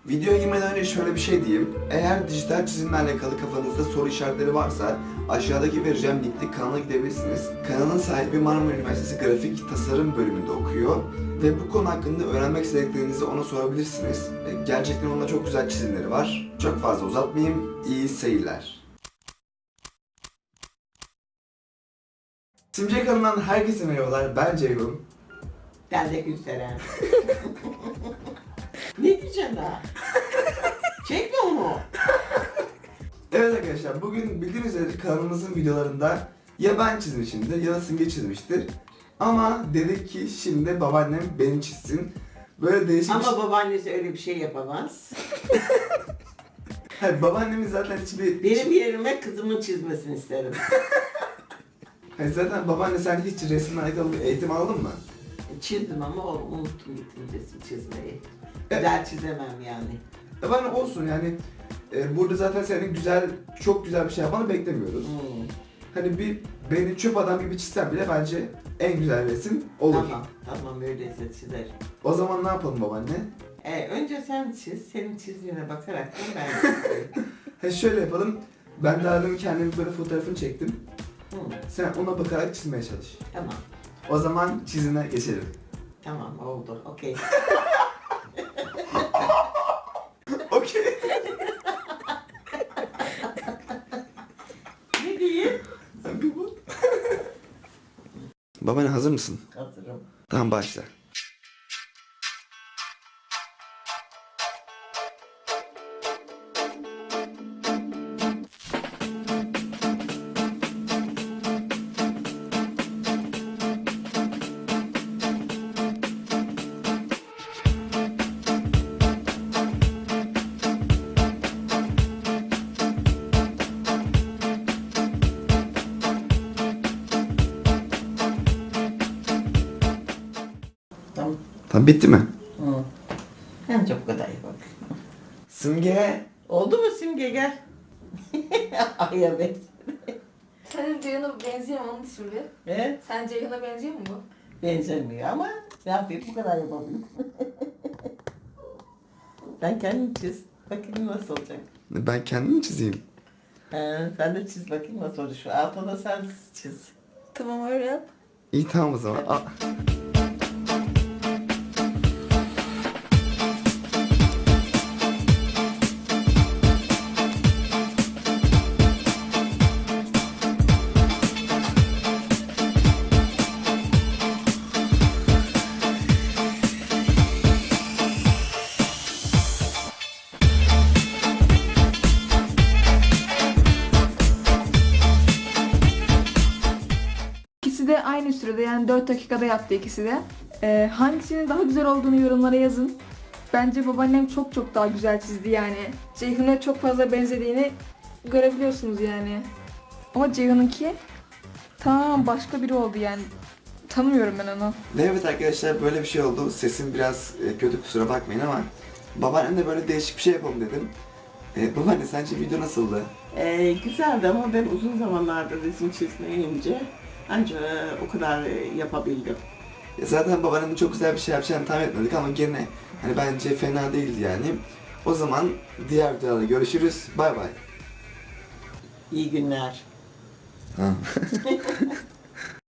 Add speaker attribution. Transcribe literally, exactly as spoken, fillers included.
Speaker 1: Videoya girmeden önce şöyle bir şey diyeyim. Eğer dijital çizimle alakalı kafanızda soru işaretleri varsa aşağıdaki vereceğim linkli kanala gidebilirsiniz. Kanalın sahibi Marmara Üniversitesi Grafik Tasarım bölümünde okuyor ve bu konu hakkında öğrenmek istediklerinizi ona sorabilirsiniz. Gerçekten onda çok güzel çizimleri var. Çok fazla uzatmayayım. İyi seyirler. Simge kanalından herkese merhabalar. Ben Ceyhun.
Speaker 2: Ben de Gülseren. Ne diyeceğim daha? Çekme onu.
Speaker 1: Evet arkadaşlar, bugün bildiğiniz üzere kanalımızın videolarında ya ben çizmişimdir ya da Simge çizmiştir. Ama dedik ki şimdi babaannem beni çizsin. Böyle değişik bir
Speaker 2: Ama
Speaker 1: şey...
Speaker 2: babaannesi öyle bir şey yapamaz.
Speaker 1: Hayır, babaannemin zaten hiçbir...
Speaker 2: Benim yerime kızımın çizmesini isterim.
Speaker 1: Hayır, zaten babaanne sen hiç resimle alakalı bir eğitim aldın mı?
Speaker 2: Çizdim ama o- unuttum gittim resim çizmeyi.
Speaker 1: Evet.
Speaker 2: Güzel çizemem yani.
Speaker 1: Babaanne olsun yani. E, burada zaten senin güzel, çok güzel bir şey yapmanı beklemiyoruz.
Speaker 2: Hmm.
Speaker 1: Hani bir beni çöp adam gibi çizsen bile bence en güzel resim olur.
Speaker 2: Tamam, tamam öyleyse çizerim.
Speaker 1: O zaman ne yapalım babaanne?
Speaker 2: Ee, önce sen çiz, senin çizdiğine bakarak da ben de çizeyim.
Speaker 1: Ha şöyle yapalım. Ben daha demin kendimin böyle fotoğrafını çektim.
Speaker 2: Hmm,
Speaker 1: Sen ona bakarak çizmeye çalış.
Speaker 2: tamam,
Speaker 1: O zaman çizime geçelim.
Speaker 2: tamam oldu, okey.
Speaker 1: Okey.
Speaker 2: Ne diyeyim?
Speaker 1: Bir bu. Babaanne hazır mısın?
Speaker 2: Hazırım.
Speaker 1: Tamam, başla.
Speaker 2: Tamam.
Speaker 1: Tamam, bitti mi?
Speaker 2: Hı. Bence bu kadar iyi bak.
Speaker 1: Simge.
Speaker 2: Oldu mu Simge gel. Ay evet.
Speaker 3: Senin Ceyhun'a benziyor mu onu şimdi?
Speaker 2: Evet.
Speaker 3: Sen Ceyhun'a benziyor mu bu?
Speaker 2: Benzemiyor ama ne yapayım bu kadar yapabilirim. Sen kendin çiz. Bakayım nasıl olacak.
Speaker 1: Ben kendim çizeyim.
Speaker 2: He, sen de çiz bakayım nasıl olacak. Şu altta da sen çiz.
Speaker 3: Tamam öyle yap.
Speaker 1: İyi, tamam o zaman. Aa.
Speaker 3: İkisi de aynı sürede yani dört dakikada yaptı ikisi de. Ee, hangisinin daha güzel olduğunu yorumlara yazın. Bence babaannem çok çok daha güzel çizdi yani. Ceyhun'a çok fazla benzediğini görebiliyorsunuz yani. Ama Ceyhun'unki tamam başka biri oldu yani. Tanımıyorum ben onu.
Speaker 1: Ve evet arkadaşlar, böyle bir şey oldu. Sesim biraz e, kötü, kusura bakmayın ama babaannemle böyle değişik bir şey yapalım dedim. E, babaanne sence video nasıldı?
Speaker 2: Ee, güzeldi ama ben uzun zamanlardır resim çizmeyince ancak o kadar yapabildim.
Speaker 1: E, zaten babaannemin çok güzel bir şey yapacağını tahmin etmedik ama gene hani bence fena değildi yani. O zaman diğer videoda görüşürüz. Bay bay.
Speaker 2: İyi günler.
Speaker 1: Tamam.